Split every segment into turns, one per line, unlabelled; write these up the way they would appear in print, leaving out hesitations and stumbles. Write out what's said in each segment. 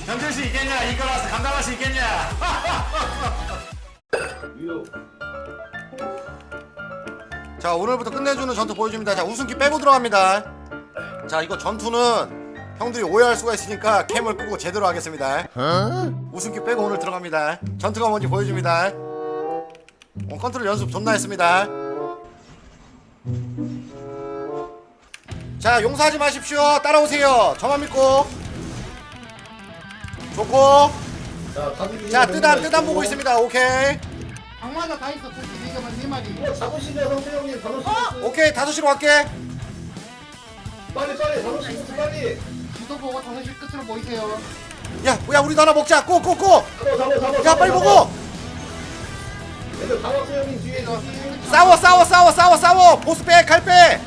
견딜 수 있겠냐? 이거라서 감당할 수 있겠냐? 자, 오늘부터 끝내주는 전투 보여줍니다. 자, 우승기 빼고 들어갑니다. 자, 이거 전투는 형들이 오해할 수가 있으니까 캠을 끄고 제대로 하겠습니다. 우승기 빼고 오늘 들어갑니다. 전투가 뭔지 보여줍니다. 컨트롤 연습 존나 했습니다. 자, 용서하지 마십시오. 따라오세요. 저만 믿고. 좋고. 자, 뜨담 보고 있습니다. 오케이.
악마가 다 있어. 솔직히 이거만 4마리.
잡으시죠 성태형님. 5시
오케이, 5시로 갈게.
빨리 5시 빨리.
지도 보고 5시 끝으로 모이세요.
야, 우리도 하나 먹자. 고.
잡아.
야, 빨리 먹어.
얘들 다 왔어요 형님 뒤에.
싸워. 보스 빼, 칼 빼.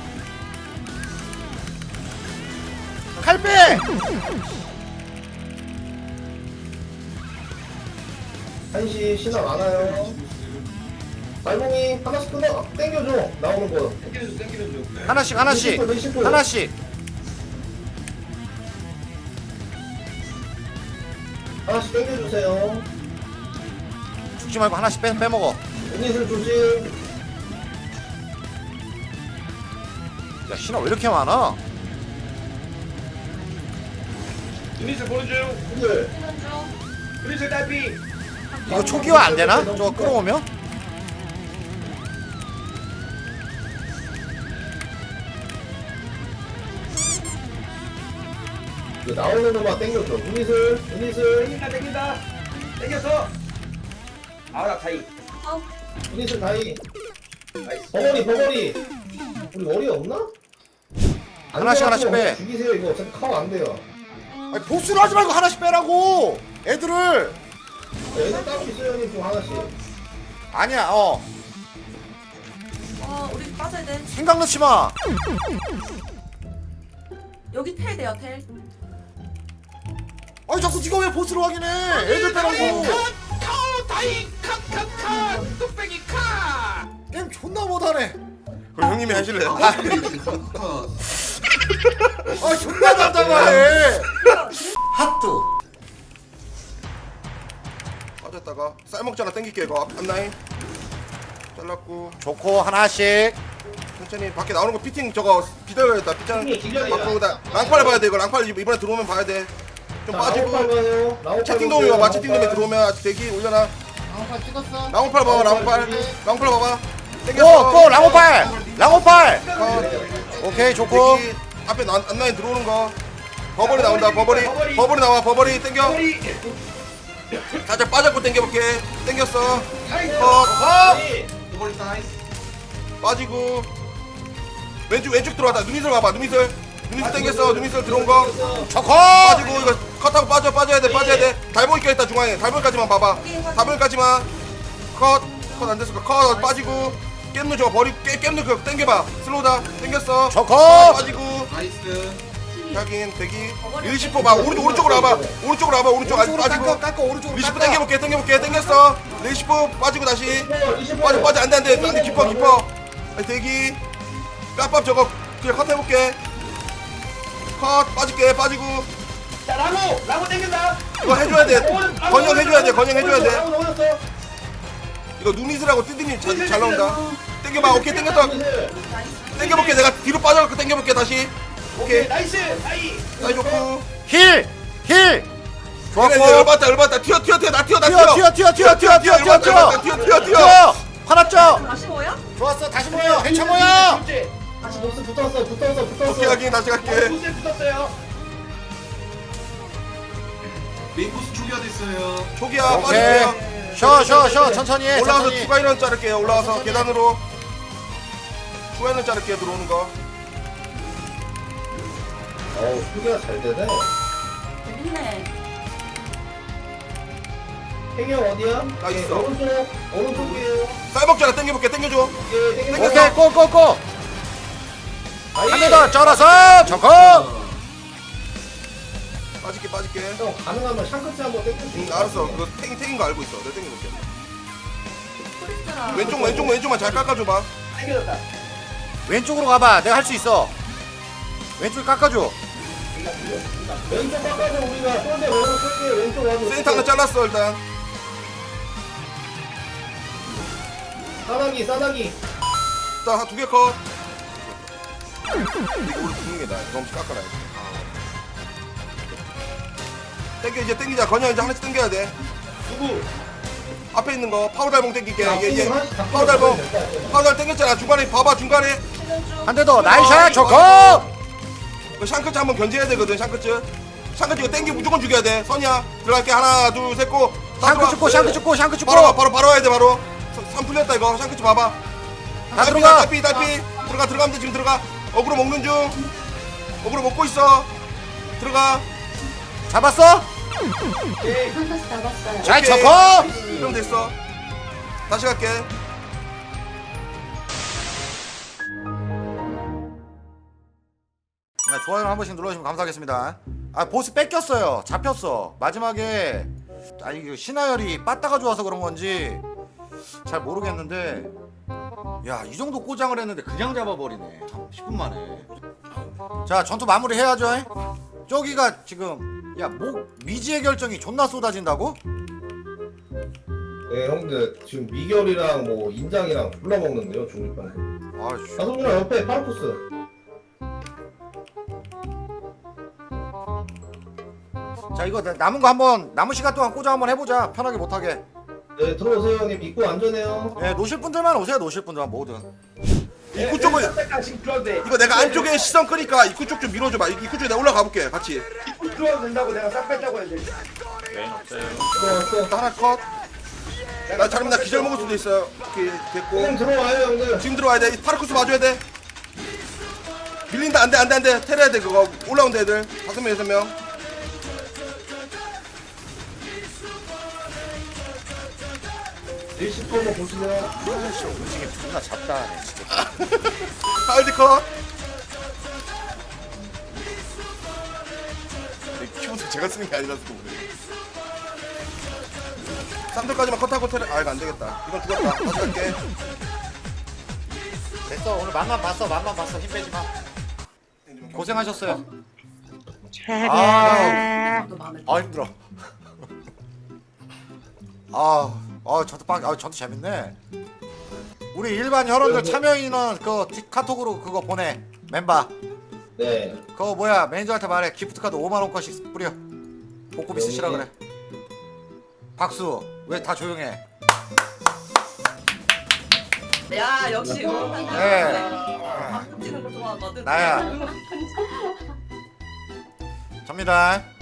칼 빼.
한시 신화 많아요. 달봉이 하나씩 끊어. 땡겨줘. 나오는 거.
하나씩.
하나씩 땡겨주세요.
죽지 말고 하나씩 빼먹어.
유닛을 조심.
야, 신화 왜 이렇게 많아?
유닛을 보는 중.
분들.
유닛을 딸피.
이거 초기화 안 되나? 저거 끌어오면?
이거 나오는 것만 땡겨줘. 유닛을.
땡긴다. 땡겼어. 아나 다이.
유닛을 다이. 버거리. 우리 머리 없나? 안
하나씩 빼.
죽이세요 이거. 어차피 카워 안 돼요.
아니, 보스로 하지 말고 하나씩 빼라고. 애들을.
얘들 따로 있어요 형님 좀 하나씩.
아니야.
우리 빠져야 돼.
생각 넣지 마.
여기 텔 돼요, 텔.
아니, 자꾸 네가 왜 보스로 확인해? 애들 빼라고.
다이 카 뚝배기 카.
게임 존나 못하네.
그럼 형님이 하실래요?
아, 존나 답답하네. 핫도.
빠졌다가 쌀 먹잖아. 땡길게 이거 앞라인. 잘랐고
좋고, 하나씩.
천천히 밖에 나오는 거 피팅 저거 기다려야겠다. 피팅 바꾸다. 랑팔 봐야 돼 이거. 랑팔 이번에 들어오면 봐야 돼. 좀 빠지고. 채팅 도움이 와봐. 채팅 도움에 들어오면 아직 대기 올려놔.
악마 찍었어.
랑팔 봐봐. 랑팔 봐봐.
고, 랑오팔.
컷.
오케이, 좋고.
대기 앞에 앞라인 들어오는 거. 버버리 나온다. 버버리 나와. 버버리 땡겨. 살짝 빠졌고 땡겨볼게. 땡겼어. 컷. 빠지고 왼쪽 들어왔다. 누니슬 봐봐. 누니슬 땡겼어. 누니슬 들어온 거
좋고.
빠지고 이거 컷하고 빠져야 돼. 달봉이 껴있다 중앙에. 달봉까지만 봐봐. 달봉까지만 컷 안 됐어. 컷 빠지고 깻누 저거 깻누 그거 땡겨봐. 슬로우다. 땡겼어.
좋고.
빠지고 확인 대기 20% 봐. 오른쪽으로 와봐. 오른쪽 아직 빠지고
깎아, 오른쪽으로
리시프
깎아.
땡겨볼게. 땡겼어. 리시프 빠지고 다시 빠져. 안돼. 깊어. 아니, 대기 깜빡 저거 그냥 컷 해볼게. 컷 빠지고
자 라고 땡긴다.
이거 해줘야 돼. 건영 해줘야 돼. 이거 누니스라고 뜨디님 잘 나온다. 땡겨봐. 오케이 땡겼다. 땡겨볼게. 내가 뒤로 빠져갖고 땡겨볼게 다시. 오케이
나이스.
나이 좋고.
힐. 좋았고.
열받다. 튀어. 나 튀어.
뛰어. 화났죠?
다시 뭐야?
좋았어. 다시 모여. 해쳐 모여.
다시 보스 붙었어.
오케이 하긴 다시 갈게.
보스에 붙었어요.
메인코스 초기화 됐어요.
초기야
오케이.
빠질게요.
쉬어. 천천히 해.
올라와서
천천히.
추가 인원 자를게요. 올라와서
천천히.
계단으로 추가 인원 자를게요. 들어오는 거.
수비가 잘 되네.
재밌네.
행여 어디야?
나 있어.
오른쪽이에요.
쌀 먹잖아. 땡겨줘.
예,
오케이, 고. 한 대 더 쩔어서 좋고.
빠질게.
형 가능하면 샹크치 한번 땡겨주세요.
알았어. 그거 탱인 거 알고 있어. 내가 땡겨볼게.
프리스라.
왼쪽만 잘 깎아줘봐.
땡겨졌다.
왼쪽으로 가봐. 내가 할 수 있어. 왼쪽 깎아줘.
왼쪽 바꿔서 우리가 쏠대 먹을 왼쪽 와줘.
센터 하나 잘랐어 일단.
싸나기 싸나기.
일단 한 2개 컷. 이거 우리 죽는 게 나아. 너무 깎아놔야 돼. 땡겨 이제 땡기자. 건영 이제 하나씩 땡겨야 돼.
누구?
앞에 있는 거 파우달봉 땡길게.
야,
얘
하나씩 다
파우달봉.
끊어야
파우달 땡겼잖아. 중간에 봐봐 중간에.
한 대 더 나이샷 좋고.
그 샹크츠 한번 견제해야 되거든. 샹크츠 이거 땡기 무조건 죽여야 돼. 선이야 들어갈게. 하나 둘 셋 고.
샹크 죽고 샹크 죽고 샹크 죽고.
바로 와야 돼 바로. 선 풀렸다 이거. 샹크츠 봐봐.
다 들어가.
달피 들어가면 돼. 지금 들어가. 어그로 먹는 중. 어그로 먹고 있어. 들어가.
잡았어?
오케이.
샹크스 잡았어요.
잘
오케이.
쳤고.
그럼 됐어. 다시 갈게.
네, 좋아요 한 번씩 눌러주시면 감사하겠습니다. 아 보스 뺏겼어요. 잡혔어. 마지막에 아니 이거 신하열이 빠따가 좋아서 그런 건지 잘 모르겠는데 야 이 정도 꼬장을 했는데 그냥 잡아버리네. 10분 만에. 자 전투 마무리 해야죠. 저기가 지금 야뭐 미지의 결정이 존나 쏟아진다고?
네 형들 지금 미결이랑 뭐 인장이랑 골라 먹는데요 중립반에.
아이씨.
나성준아 옆에 파르쿠스.
자 이거 남은 거 한번 남은 시간 동안 꼬장 한번 해보자. 편하게 못하게.
네 들어오세요 형님. 입구 안전해요.
예 노실 분들만 오세요. 노실 분들만 모든.
입구 쪽은
지금 들어와도 돼.
이거 내가 안쪽에 시선 끄니까 입구 쪽 좀 밀어줘봐. 입구 쪽에 내가 올라가 볼게 같이.
입구 들어와도 된다고 내가 싹 뺐다고 해야 돼. 들어왔어.
하나 컷. 나 잘하면 나 기절 먹을 수도 있어요. 오케이 됐고.
형님 들어와요 형들.
지금 들어와야 돼. 파르쿠스 봐줘야 돼. 밀린다. 안돼. 테려야 돼 그거. 올라온다 애들. 5명 6명.
일시퍼 한번 보시면.
아이씨 음식이 존나 잡다하네 진짜.
하울드 컷. 키보드 제가 쓰는 게 아니라서 그래. 3돌까지만 컷하고 테려. 아 이거 안 되겠다. 이건 죽었다. 다시 갈게.
됐어 오늘 맛만 봤어 힘 빼지 마. 고생하셨어요. 아
또 마음에
힘들어. 전투 재밌네. 우리 일반 혈원들 참여 인원 그 카톡으로 그거 보내. 멤버
네.
그거 뭐야 매니저한테 말해. 기프트 카드 5만 원권씩 뿌려. 복고비 쓰시라 그래. 박수. 왜 다 조용해?
야 역시 응원한
네.
박수 치는 거 좋아하거든.
나야. 접니다.